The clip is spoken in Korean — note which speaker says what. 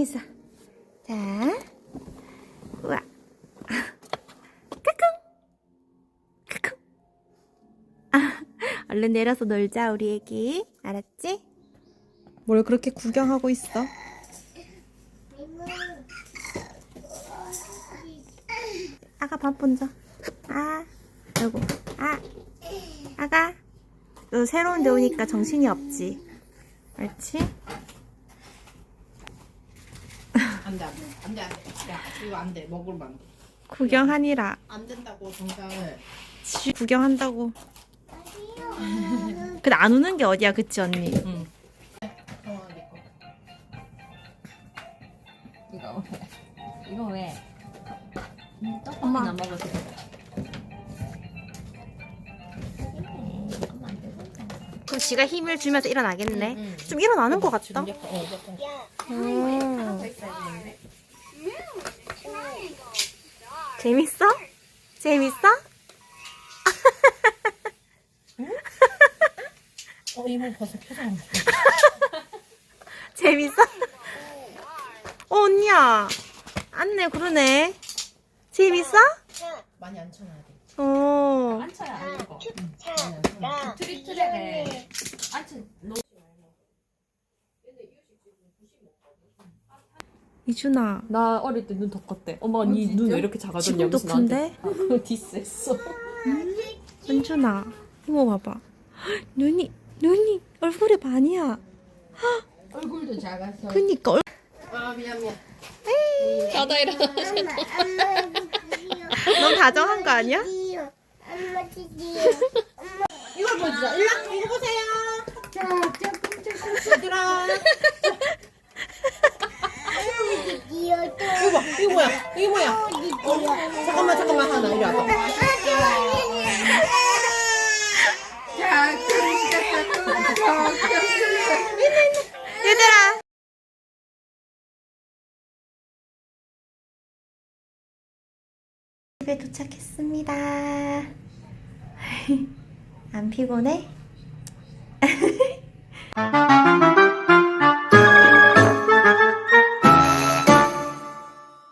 Speaker 1: 가만히 있어. 자, 우와. 까꿍. 까꿍. 얼른 내려서 놀자, 우리 애기. 알았지? 뭘 그렇게 구경하고 있어? 아가 밥 먼저. 아이고. 아가. 너 새로운 데 오니까 정신이 없지? 그렇지?
Speaker 2: 안돼. 야 이거 안돼. 먹으면 안돼.
Speaker 1: 구경하니라.
Speaker 2: 안 된다고 정상을.
Speaker 1: 구경한다고. 근데 안 우는 게 어디야, 그치 언니?
Speaker 2: 응. 이거 왜? 떡볶이나 먹어도 돼.
Speaker 1: 그럼 지가 힘을 주면서 일어나겠네.
Speaker 2: 응.
Speaker 1: 좀 일어나는 것 같다. 재밌어? 재밌어?
Speaker 2: 이모 벌써 표정.
Speaker 1: 재밌어? 언니야. 안네, 그러네. 재밌어?
Speaker 2: 많이 안 쳐놔야 돼.
Speaker 3: 앉혀야 안 먹어. 트릭트랙에 앉혀.
Speaker 1: 이준아.
Speaker 3: 나 어릴 때 눈 더 컸대. 엄마가 니 눈 왜 이렇게 작아졌냐
Speaker 1: 지금도
Speaker 3: 무슨 나한테.
Speaker 1: 큰데?
Speaker 3: 디스했어.
Speaker 1: 은준아. 이모 봐봐. 눈이 얼굴에 반이야.
Speaker 2: 얼굴도 작아서.
Speaker 1: 그니까
Speaker 2: 미안.
Speaker 3: 자다 일어나.
Speaker 1: 넌 다정한 거 아니야?
Speaker 2: 이걸 보여주자. 일로 이거 보세요. 얘들아. 이거 뭐야? 이거 뭐야? 잠깐만 하나 이리 와봐.
Speaker 1: 얘들아. 집에 도착했습니다. 안 피곤해?